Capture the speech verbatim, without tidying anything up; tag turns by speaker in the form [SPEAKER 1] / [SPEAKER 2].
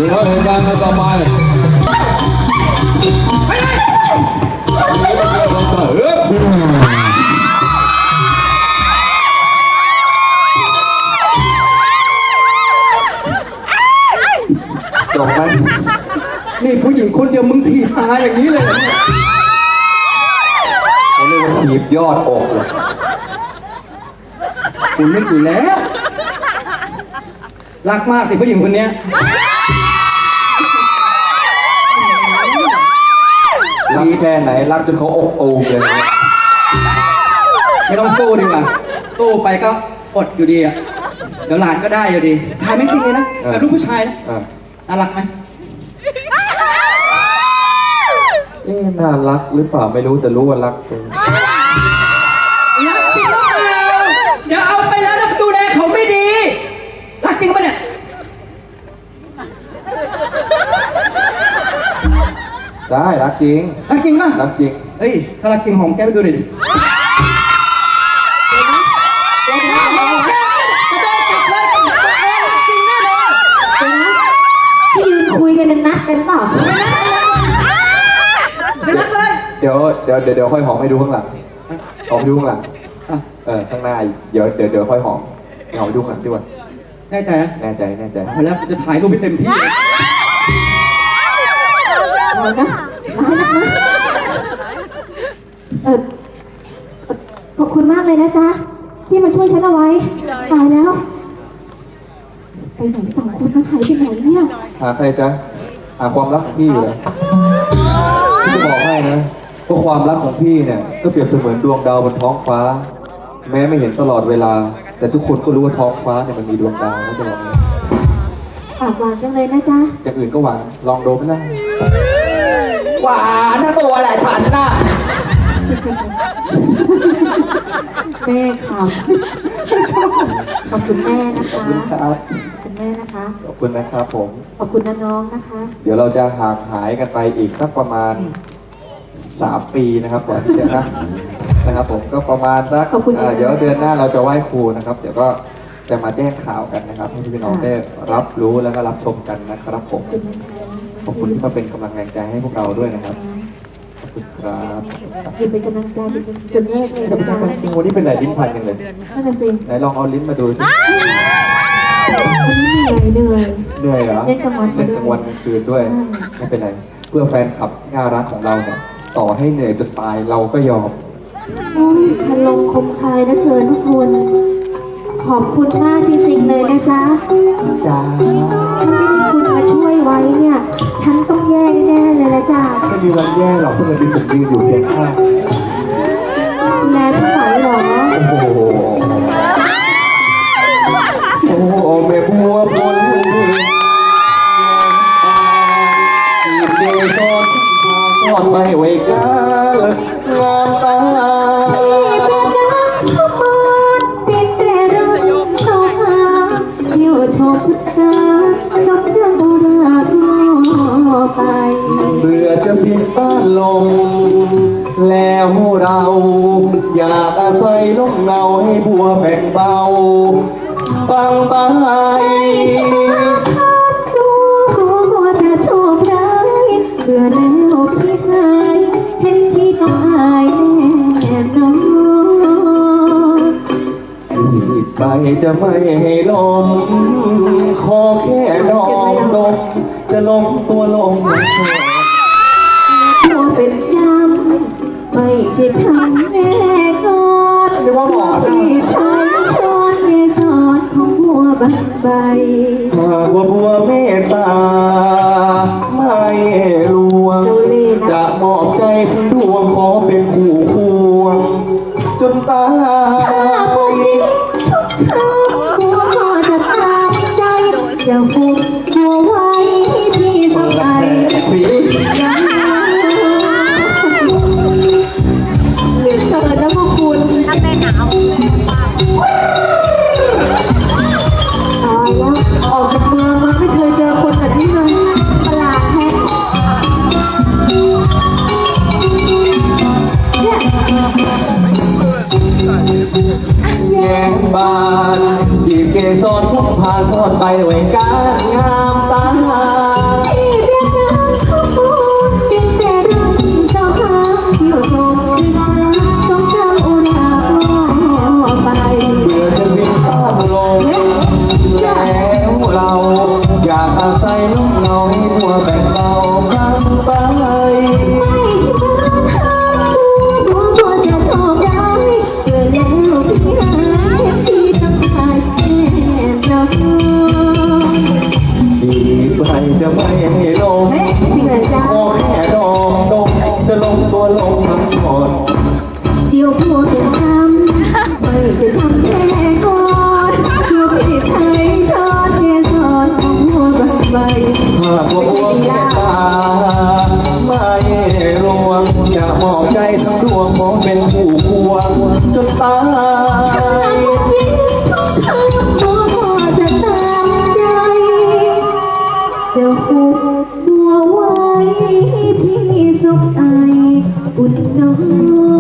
[SPEAKER 1] แล้วเหตุการณ์ต่อไปไปเลยเฮ้ยจบไหมนี่ผู้หญิงคนเดียวมึงถีบหาอย่างนี้เลยเนี่ยเขาเรียกว่าถีบยอดอกเลยคุณนึกอยู่แล้วรักมากสิผู้หญิงคนนี้รักแค่ไหนรักจนเขาอกตูมเลยไม่ต้องสู้ดีกว่าสู้ไปก็อดอยู่ดีอ่ะเดี๋ยวหลานก็ได้อยู่ดีทายไม่จริงเลยนะแบบลูกผู้ชายนะน่ารักไหมเอ๊ะน่ารักหรือเปล่าไม่รู้แต่รู้ว่ารักจริงรักจริงหรือเปล่าเดี๋ยวเอาไปแล้วนะดูแลเขาไม่ดีรักจริงปะเนี่ยได้รักจริงรักจริงป่ะรักจริงเอ้ยถ้ารักจริงหอมแก้มไปดูหน่อยดิ
[SPEAKER 2] ที่ยืนคุยกันนัดกันเปล่าไม่นัดเลย
[SPEAKER 1] เดี๋ยวเดี๋ยวเดี๋ยวเดี๋ยวค่อยหอมให้ดูข้างหลังหอมให้ดูข้างหลังเออข้างหน้าเดี๋ยวเดี๋ยวเดี๋ยวค่อยหอมหอมให้ดูข้างหลังดีกว่าแน่ใจนะแน่ใจแน่ใจแล้วจะถ่ายรูปให้เต็มที่
[SPEAKER 2] เอานะเอานะเออขอบคุณมากเลยนะจ๊ะที่มาช่วยฉันเอาไว้ตายแล้วไปไหนสองคนนั้นหายไปไหนเนี่ย
[SPEAKER 1] หาใครจ๊ะหาความรักของพี่อยู่เลยพี่จะบอกให้นะว่าความรักของพี่เนี่ยก็เปรียบเสมือนดวงดาวบนท้องฟ้าแม้ไม่เห็นตลอดเวลาแต่ทุกคนก็รู้ว่าท้องฟ้าเนี่ยมันมีดวงดาวนะจะบอกเลย
[SPEAKER 2] ปากหวานจังเลยนะจ๊ะ
[SPEAKER 1] อย่างอื่นก็หวานลองดูไหมล่ะ
[SPEAKER 3] หวานทั้งตัวแหละฉันน่ะ
[SPEAKER 2] แม่ครับขอบคุณแม่นะคะขอบคุณแม่นะคะ
[SPEAKER 1] ขอบคุณนะครับผม
[SPEAKER 2] ขอบคุณน้องๆนะคะ
[SPEAKER 1] เดี๋ยวเราจะห่างหายกันไปอีกสักประมาณสามปีนะครับก่อนที่จะนะนะครับผมก็ประมาณสักเดี๋ยวเดือนหน้าเราจะไหว้ครูนะครับเดี๋ยวก็จะมาแจ้งข่าวกันนะครับให้พี่น้องได้รับรู้แล้วก็รับชมกันนะครับผมขอบคุณที่มาเป็นกำลังแรงใจให้พวกเราด้วยนะครับขอบคุณครับ
[SPEAKER 2] ยืนเป็นกำลังใจจนแรกเลย
[SPEAKER 1] นะจ๊ะจริงวันนี้เป็นไหนลิ้นพันยังเลย
[SPEAKER 2] นั่นแหละสิ
[SPEAKER 1] ไหนลองเอาลิ้นมาดูสิ
[SPEAKER 2] วันนี้เหนื่อย
[SPEAKER 1] เหนื่อยเหรอ
[SPEAKER 2] เล่นกลางวัน
[SPEAKER 1] เล่นกลางวันกลางคืนด้วยไม่เป็นไรเพื่อแฟนคลับน่ารักของเราเนี่ยต่อให้เหนื่อยจนตายเราก็ยอม
[SPEAKER 2] โอ้ยคลงคมคายนะเกินทุกคนขอบคุณมากจริงๆเลยนะจ๊ะ
[SPEAKER 1] จ้า
[SPEAKER 2] ถ้าไม่มีคุณมาช่วยไว้เนี่ยฉันต้องแย่แน่เลยนะจ๊ะ
[SPEAKER 1] ไม่มีวันแย่หรอกเพื่อนที่ผมยืนอยู่เพียงข้าง
[SPEAKER 2] แม่ฉันไหวหรอ
[SPEAKER 1] โอ้โหโอ้โหแม่บัวพลเดชอนทอดไปไว้กันงามตา
[SPEAKER 2] ชมพุทธาจบเรื่องโบราณทั่วไป
[SPEAKER 1] เบื่อจะปิดบ้านลงแล้วเราอยากอาศัยร่มเงาให้บัวแบ่งเบาบางใบ
[SPEAKER 2] ตัวก็จะโชคร้ายเบื่อแล้วพี่หายเห็นที่ต้องอายแน่นอน
[SPEAKER 1] ไปจะไม่ให้ลมขอแค่ดองดมจะลงตัวลง
[SPEAKER 2] ตัวเป็นจำไม่ใช่ทำแน่ก่อนที่ใช้ช้อนเกสรของบัวบานใบ
[SPEAKER 1] หากว่าบัวเมตตาไม่ลวงจะมอบใจทั้งดวงขอเป็นคู่ควงจนตาย
[SPEAKER 2] บัวก็จะตามใจจะผูกบัวไว้ที่สบายหรือเกิดแล้วพวกคุณถ้าเป็นหนาวตายแล้วออกจากเมืองมาไม่เคยเจอคนแบบนี้เลยประหลาดแท้
[SPEAKER 1] แย้งบานจีบเกสรพุ่งพาซ่อนไปไว้กัน
[SPEAKER 3] านงามตา
[SPEAKER 2] ที่เรียกน้ำข้าวฟูจึงแต่รักเจ้าค่ะอยู่ตรงที่ฟ้าต้องเจ้าอุราไป
[SPEAKER 3] เมื่อจะบินข้ามลงแล้วเราอยากอาศัยลมเงาให้หัวแบ่งเบาพังไป
[SPEAKER 2] ไม่ใช่ร้องไห้ตัวตัวจะชอบร้ายเกิดแล้วพี่หายพี่ต้องตายแน่เรา
[SPEAKER 3] ดีไปจะไม่ให้ลง
[SPEAKER 2] เฮ้ยจริงเหรอจ๊ะ
[SPEAKER 3] โอ้แค่ดองดงจะลงตัวลงทั้งหมด
[SPEAKER 2] เดี๋ยวพูดเป็นคำไม่จะทำแค่ก่อนเดี๋ยวพี่ชายช้อนเกสรของหัวบันใบ
[SPEAKER 3] หากว่าพวกแก่ตาไม่รวงอย่ามอบใจทั้งดวงมองเป็นผู้ควงจนตาย
[SPEAKER 2] จริงต้องทำตัวพอจะตามใจจะหุบตัวไว้พี่สุขใจอุ่นนอน